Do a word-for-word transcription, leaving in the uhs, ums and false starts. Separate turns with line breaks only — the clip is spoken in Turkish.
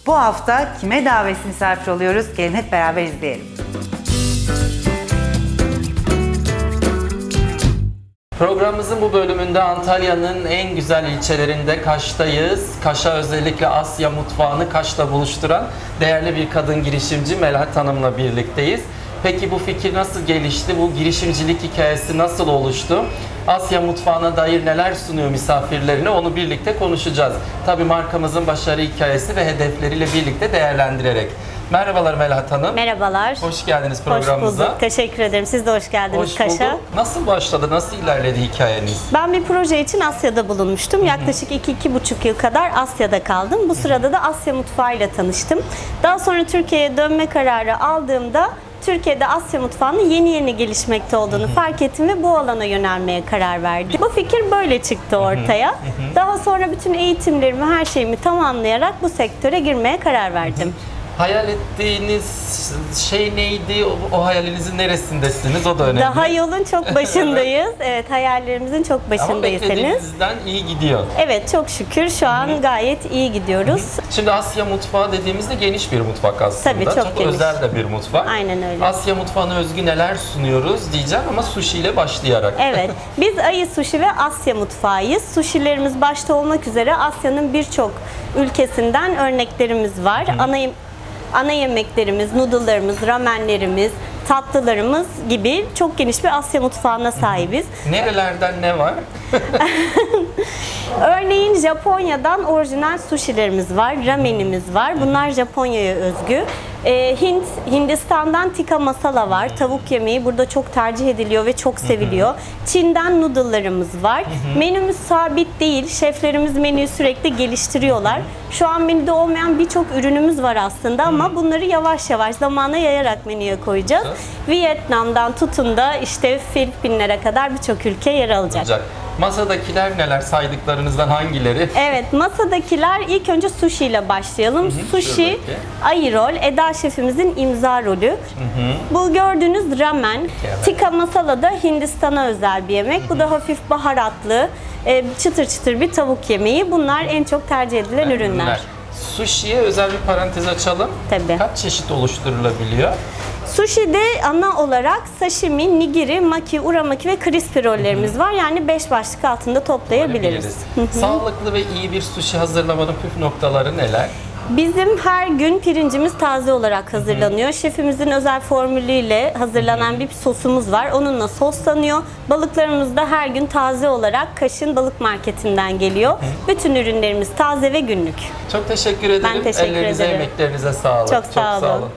Bu hafta kime davetsiz misafir oluyoruz? Gelin hep beraber izleyelim.
Programımızın bu bölümünde Antalya'nın en güzel ilçelerinde Kaş'tayız. Kaş'a özellikle Asya mutfağını Kaş'la buluşturan değerli bir kadın girişimci Melahat Hanım'la birlikteyiz. Peki bu fikir nasıl gelişti? Bu girişimcilik hikayesi nasıl oluştu? Asya mutfağına dair neler sunuyor misafirlerine, onu birlikte konuşacağız. Tabii markamızın başarı hikayesi ve hedefleriyle birlikte değerlendirerek. Merhabalar Melahat Hanım.
Merhabalar.
Hoş geldiniz programımıza.
Hoş bulduk. Teşekkür ederim. Siz de hoş geldiniz
Hoş
Kaş'a.
bulduk. Nasıl başladı? Nasıl ilerledi hikayeniz?
Ben bir proje için Asya'da bulunmuştum. Yaklaşık iki iki buçuk yıl kadar Asya'da kaldım. Bu sırada da Asya mutfağıyla tanıştım. Daha sonra Türkiye'ye dönme kararı aldığımda Türkiye'de Asya mutfağının yeni yeni gelişmekte olduğunu fark ettim ve bu alana yönelmeye karar verdim. Bu fikir böyle çıktı ortaya. Daha sonra bütün eğitimlerimi, her şeyimi tamamlayarak bu sektöre girmeye karar verdim.
Hayal ettiğiniz şey neydi? O, o hayalinizin neresindesiniz? O da önemli.
Daha yolun çok başındayız. Evet, hayallerimizin çok
Ama
başındaysanız.
beklediğinizden iyi gidiyor.
Evet, çok şükür şu an gayet iyi gidiyoruz.
Şimdi Asya mutfağı dediğimizde geniş bir mutfak aslında.
Tabii, çok geniş.
özel de bir mutfak.
Aynen öyle.
Asya mutfağına özgü neler sunuyoruz diyeceğim ama sushi ile başlayarak.
Evet, biz Ayı Sushi ve Asya mutfağıyız. Sushilerimiz başta olmak üzere Asya'nın birçok ülkesinden örneklerimiz var. Ana Ana yemeklerimiz, noodle'larımız, ramenlerimiz, tatlılarımız gibi çok geniş bir Asya mutfağına sahibiz.
Nerelerden ne var?
Örneğin Japonya'dan orijinal sushilerimiz var, ramenimiz var. Bunlar Japonya'ya özgü. Ee, Hint, Hindistan'dan tikka masala var. Tavuk yemeği burada çok tercih ediliyor ve çok seviliyor. Çin'den noodle'larımız var. Menümüz sabit değil. Şeflerimiz menüyü sürekli geliştiriyorlar. Şu an menüde olmayan birçok ürünümüz var aslında ama bunları yavaş yavaş zamana yayarak menüye koyacağız. Vietnam'dan tutun da işte Filipinlere kadar birçok ülke yer alacak.
Olacak. Masadakiler neler? Saydıklarınızdan hangileri?
Evet, masadakiler ilk önce sushi ile başlayalım.
Hı hı,
Sushi,
şuradaki.
Ayı Roll, Eda şefimizin imza rolü. Hı hı. Bu gördüğünüz ramen,
Evet.
tikka masala da Hindistan'a özel bir yemek. Hı hı. Bu da hafif baharatlı, e, çıtır çıtır bir tavuk yemeği. Bunlar en çok tercih edilen
Yani
ürünler.
ürünler. Sushi'ye özel bir parantez açalım.
Tabii.
Kaç çeşit oluşturulabiliyor?
Sushi'de ana olarak sashimi, nigiri, maki, uramaki ve crispy rollerimiz var. Yani beş başlık altında toplayabiliriz.
Sağlıklı ve iyi bir sushi hazırlamanın püf noktaları neler?
Bizim her gün pirincimiz taze olarak hazırlanıyor. Şefimizin özel formülüyle hazırlanan bir sosumuz var. Onunla soslanıyor. Balıklarımız da her gün taze olarak Kaş'ın balık marketinden geliyor. Bütün ürünlerimiz taze ve günlük.
Çok teşekkür ederim.
Ben teşekkür
Ellerinize,
ederim.
emeklerinize sağlık.
Çok sağ olun.